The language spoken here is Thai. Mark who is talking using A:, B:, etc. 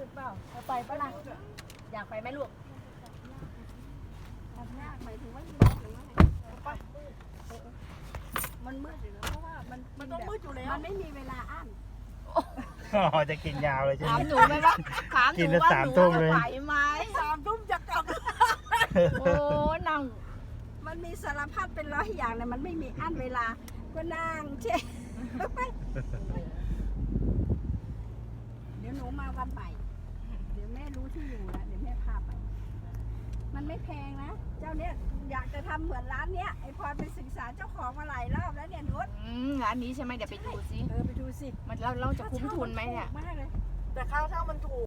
A: ดเปล่าไปปะล่ะอยากไปไหมลูก
B: ทำยากหมายถึงว่าหรือว่าไงมันมืดอยู่แล้วเพราะว่ามันต้องมืดอยู่แล้วมันไม่มีเวลาอั้น
C: อ๋อจะกินยาวเลยใช่ไหม
A: ถามหนูไหมว่าถามห
C: กิ
A: นู
C: น
A: ว่า
C: สาม
A: หนู
C: ทุ่ม
A: จะ
C: เลย
A: ไหวไหม
B: 3 ทุ่มจะกลับ
A: โอ้นั่ง
B: มันมีสารพัดเป็นร้อยอย่างเลยมันไม่มีอั้นเวลาก็นั่งเช่เดี๋ยวหนูมาวันใหม่เดี๋ยวแม่รู้ที่อยู่แล้วเดี๋ยวแม่พาไป มันไม่แพงนะเจ้าเนี้ยอยากจะทำเหมือนร้านเนี้ยไอพรไปศึกษาเจ้าของมาหลายรอบแล้วเนี่ยนุช
A: ร้านนี้ใช่ไหมเดี๋ยวไปดูสิ
B: ไปดูสิ
A: มันเราจะคุ้มทุนไหมเนี่ย
B: มากเลย
D: แต่ค่าเช่ามันถูก